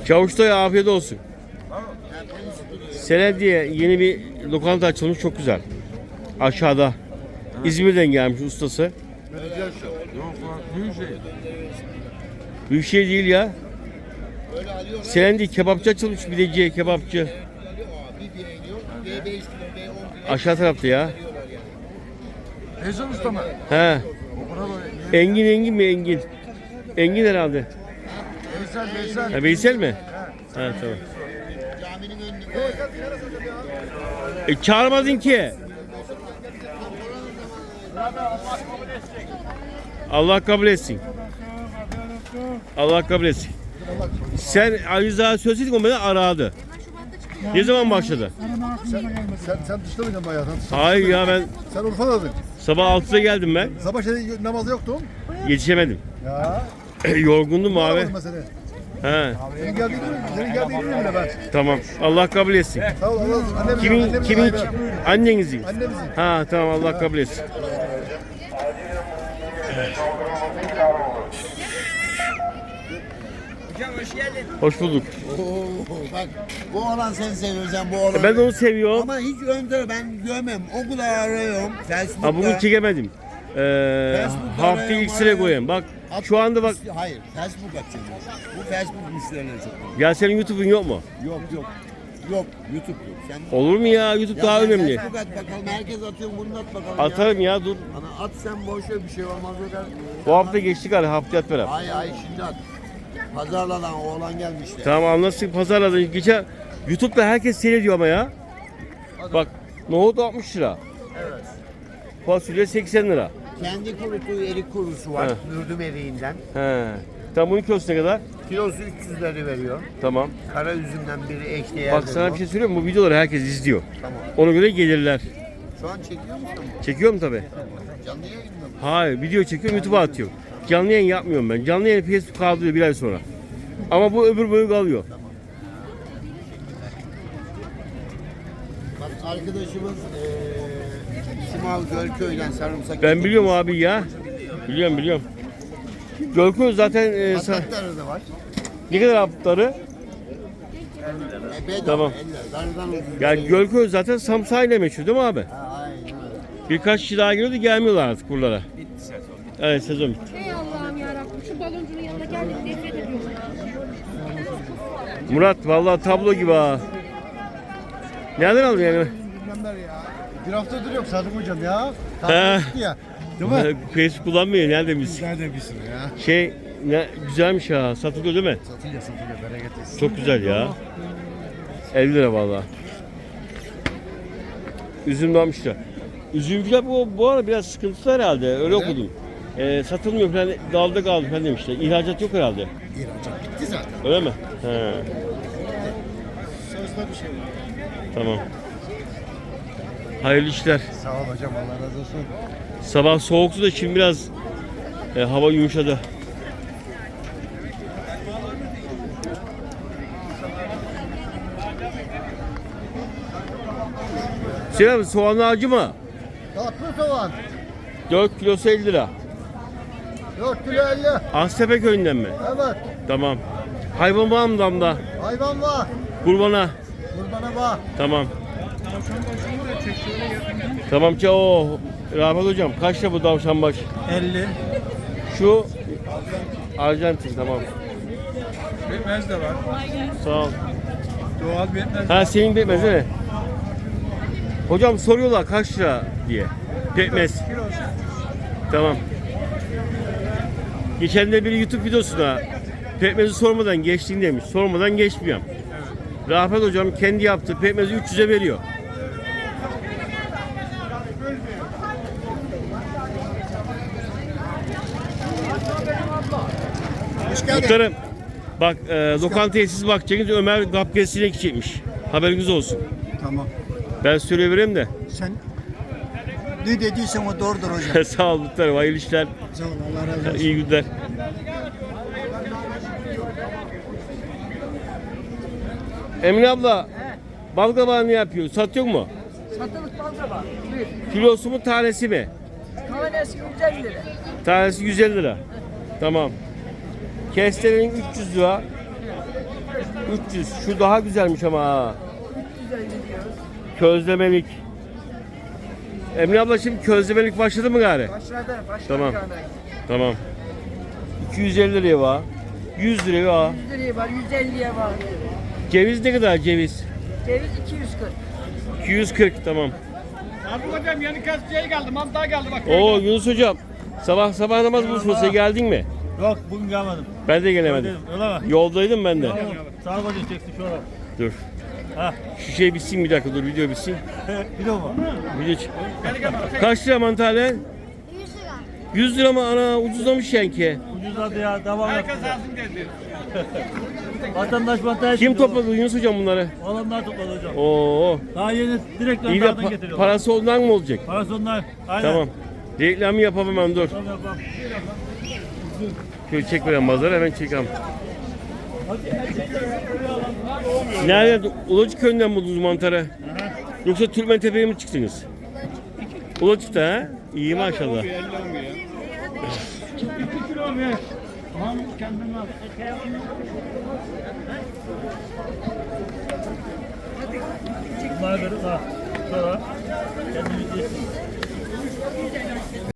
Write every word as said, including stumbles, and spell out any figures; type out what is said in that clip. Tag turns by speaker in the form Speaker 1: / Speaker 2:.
Speaker 1: Çavuş Dayı afiyet olsun. Senediye yeni bir lokanta açılmış, çok güzel. Aşağıda. İzmir'den gelmiş ustası.
Speaker 2: Yok büyük şey.
Speaker 1: Büyük şey değil ya. Selendi kebapçı açılmış, pideci, kebapçı. Aşağı tarafta ya.
Speaker 2: Ezan usta mı?
Speaker 1: He.
Speaker 2: O kadar da
Speaker 1: Engin Engin mi Engin? Engin herhalde.
Speaker 2: Veysel Veysel.
Speaker 1: Ha, Veysel mi? Ha tamam. E çağırmadın ki. Allah kabul etsin. Allah kabul etsin. Sen Ali Rıza söyleseydin o beni aradı. Ne zaman başladı?
Speaker 3: Sen, sen dışta mıydın bayağı? Sen,
Speaker 1: Hayır ya, ben
Speaker 3: sen Urfa'daydın.
Speaker 1: sabah altıda geldim ben.
Speaker 3: Sabah şey, namazda yoktun.
Speaker 1: Yetişemedim.
Speaker 3: Ya.
Speaker 1: Yorgundum abi.
Speaker 3: Aramadım ben seni.
Speaker 1: He,
Speaker 3: Senin geldiğini, senin geldiğini bilmiyorum bile ben.
Speaker 1: tamam. Allah kabul etsin.
Speaker 3: Sağ ol. Allah, annemizin,
Speaker 1: Kimin
Speaker 3: annemizin
Speaker 1: kimin
Speaker 3: sahibi.
Speaker 1: annenizin?
Speaker 3: Annemizin.
Speaker 1: Ha tamam, Allah kabul etsin.
Speaker 4: Hocam hoş geldin.
Speaker 1: Hoş bulduk.
Speaker 4: Oo, bak bu olan sen seviyorsan bu olan.
Speaker 1: Ben de onu seviyorum.
Speaker 4: Ama hiç önde ben görmem. O kadar arıyorum. Facebook'ta.
Speaker 1: Ha, bugün çekemedim. Ee,
Speaker 4: Facebook'ta
Speaker 1: hafta
Speaker 4: arıyorum,
Speaker 1: ilk sıra
Speaker 4: arıyorum.
Speaker 1: koyayım. Bak
Speaker 4: At-
Speaker 1: şu anda bak.
Speaker 4: Hayır Facebook atacağım. Bu Facebook müşterileri çok.
Speaker 1: Ya senin YouTube'un yok mu?
Speaker 4: Yok yok. Yok YouTube yok. Sen
Speaker 1: Olur mu ya? YouTube
Speaker 4: Ya
Speaker 1: daha
Speaker 4: sen
Speaker 1: önemli.
Speaker 4: Facebook at bakalım. Herkes atıyor. Bunu at bakalım.
Speaker 1: Atarım ya, dur.
Speaker 4: Ya. Ana at sen boş ver, bir şey olmaz o kadar.
Speaker 1: Bu hafta geçtik hadi, haftaya at beraber.
Speaker 4: Ay ay şimdi at. Pazarlanan oğlan gelmişti.
Speaker 1: Tamam, anlaştık, pazarladın. Geçen YouTube'da herkes seyrediyor ama ya. Bak nohut altmış lira.
Speaker 4: Evet.
Speaker 1: Fasulye seksen lira.
Speaker 4: Kendi kurutuğu erik kurusu var.
Speaker 1: Evet.
Speaker 4: Mürdüm eriğinden.
Speaker 1: He. Tam bunun kilosu ne kadar?
Speaker 4: Kilosu üç yüz lira veriyor.
Speaker 1: Tamam.
Speaker 4: Kara üzümden biri ekleyen.
Speaker 1: Bak sana bir şey söyleyeyim mi? Bu videoları herkes izliyor.
Speaker 4: Tamam.
Speaker 1: Ona göre gelirler.
Speaker 4: Şu an çekiyor musun?
Speaker 1: Çekiyorum tabi.
Speaker 4: Canlı yayında mı?
Speaker 1: Hayır, video çekiyorum, YouTube'a atıyorum. Canlı yayın yapmıyorum ben. Canlı yayın Facebook kaldırıyor bir ay sonra. Ama bu öbür boyu kalıyor.
Speaker 4: Bak arkadaşımız eee Simav Gölköy'den sarımsak.
Speaker 1: Ben biliyorum abi ya. Biliyorum biliyorum. Gölköz zaten e, sa-
Speaker 4: Patatları da var.
Speaker 1: ne kadar hapları?
Speaker 4: E, bedava,
Speaker 1: Tamam.
Speaker 4: elli. Darıdan ucuz.
Speaker 1: Ya Gölköz zaten samsayla meşhur değil mi abi?
Speaker 4: Ha, aynen öyle.
Speaker 1: Birkaç kişi daha geliyordu, gelmiyorlar artık buralara. Bitti sezon. Evet, sezon bitti.
Speaker 5: Ey Allah'ım yarabbim, şu baloncunun yanına geldik, nefret ediyorum ya.
Speaker 1: Murat vallahi tablo gibi ha. Nereden aldın yani?
Speaker 3: Bilmemler ya. Bir haftadır yok Sadık hocam ya.
Speaker 1: He.
Speaker 3: Tatil gitti ya. Değil mi?
Speaker 1: Facebook kullanmıyor, nerede biz?
Speaker 3: Nerede bir sürü ya.
Speaker 1: Şey ne güzelmiş ha, satılıyor değil mi?
Speaker 3: Satılıyor satılıyor bereket etsin.
Speaker 1: Çok güzel ya. elli lira vallahi. Üzüm de almış da. Üzümcüler bu, bu ara biraz sıkıntılı herhalde. Öyle okudum. Ee, satılmıyor falan, dalda kaldı falan demişler. İhracat yok herhalde.
Speaker 3: İhracat bitti zaten.
Speaker 1: Öyle mi? He,
Speaker 3: Sözde bir şey.
Speaker 1: tamam. Hayırlı işler.
Speaker 3: Sağ ol hocam, Allah razı olsun.
Speaker 1: Sabah soğuktu da şimdi biraz e, hava yumuşadı. Hüseyin abi, soğan ağacı mı?
Speaker 3: Tatlı soğan.
Speaker 1: dört kilosu elli lira.
Speaker 3: dört kilo elli.
Speaker 1: Aztepe köyünden mi?
Speaker 3: Evet.
Speaker 1: Tamam. Hayvan var mı damda?
Speaker 3: Hayvan var.
Speaker 1: Kurbana.
Speaker 3: Kurbana var.
Speaker 1: Tamam. Tamam ki o. Rahmet hocam, kaçta bu tavşan baş?
Speaker 2: elli.
Speaker 1: Şu Arjantin, tamam.
Speaker 2: Pekmez de var.
Speaker 1: Sağ ol.
Speaker 2: Doğal pekmez.
Speaker 1: Ha, senin pekmez değil mi? Hocam soruyorlar kaç lira diye. Pekmez. Tamam. Geçen de bir YouTube videosuna pekmezi sormadan geçtin demiş. Sormadan geçmiyorum. Rafet hocam kendi yaptığı pekmezi üç yüze veriyor. Muhtarım, bak e, lokantaya siz bakacaksınız, Ömer gapkesine gidecekmiş. Haberiniz olsun.
Speaker 3: Tamam.
Speaker 1: Ben söyleyivereyim de.
Speaker 3: Sen ne dediysen o doğrudur hocam.
Speaker 1: Sağ ol muhtarım, hayırlı işler.
Speaker 3: Sağ ol, Allah razı olsun.
Speaker 1: İyi günler. Emine abla, bal kabağı ne yapıyor? Satıyor mu?
Speaker 6: Satılık bal kabağı.
Speaker 1: Kilosu mu, tanesi mi?
Speaker 6: Tanesi yüz elli lira.
Speaker 1: Tanesi yüz elli lira. Tamam. Kestelenin üç yüz lira. üç yüz. Şu daha güzelmiş ama ha.
Speaker 6: Güzel gidiyoruz.
Speaker 1: Közlemelik. Emine abla şimdi közlemelik başladı mı gari?
Speaker 6: Başladı. Başladı.
Speaker 1: Tamam.
Speaker 6: yani.
Speaker 1: Tamam. iki yüz elli liraya var. yüz liraya var.
Speaker 6: yüz liraya var, yüz elliye var.
Speaker 1: Ceviz ne kadar ceviz?
Speaker 6: Ceviz iki yüz kırk.
Speaker 1: iki yüz kırk tamam.
Speaker 2: Abi hocam yeni kasçıya geldi. Mantığa geldi bak.
Speaker 1: Oo Yunus hocam. Sabah sabah namaz buluşmasına geldin mi?
Speaker 7: Yok bugün gelmedim.
Speaker 1: Ben de gelemedim.
Speaker 7: Öyle mi?
Speaker 1: Yoldaydım ben de.
Speaker 7: Tamam. Sağ ol hocam çeksin şu ara.
Speaker 1: Dur.
Speaker 7: Ha.
Speaker 1: Şu şey bitsin bir dakika dur video bitsin.
Speaker 7: Video mu?
Speaker 1: Video ç- Kaç lira mantarlar? yüz lira mı ana ucuzlamış yani.
Speaker 7: Ucuzladı ya devam et.
Speaker 2: Herkes alsın dedi.
Speaker 7: Vatandaş mantığa
Speaker 1: Kim topladı Yunus hocam bunları?
Speaker 7: Olanlar topladı hocam.
Speaker 1: Oo.
Speaker 7: Daha yeni direkt
Speaker 1: İyi de
Speaker 7: gönderden
Speaker 1: pa-
Speaker 7: getiriyorlar.
Speaker 1: parası ondan mı olacak?
Speaker 7: Parası onlar. Aynen.
Speaker 1: Tamam. Reklamı yapalım hemen dur.
Speaker 7: Tamam yapalım.
Speaker 1: Şöyle çek veren pazarı hemen çekelim. Nerede? Ulacık köyünden buldunuz mantarı? Yoksa Türkmen Tepe'ye mi çıktınız? Ulacık'ta ha? İyi maşallah.
Speaker 7: Bunları veririz ha. Sonra kendimiz yesin.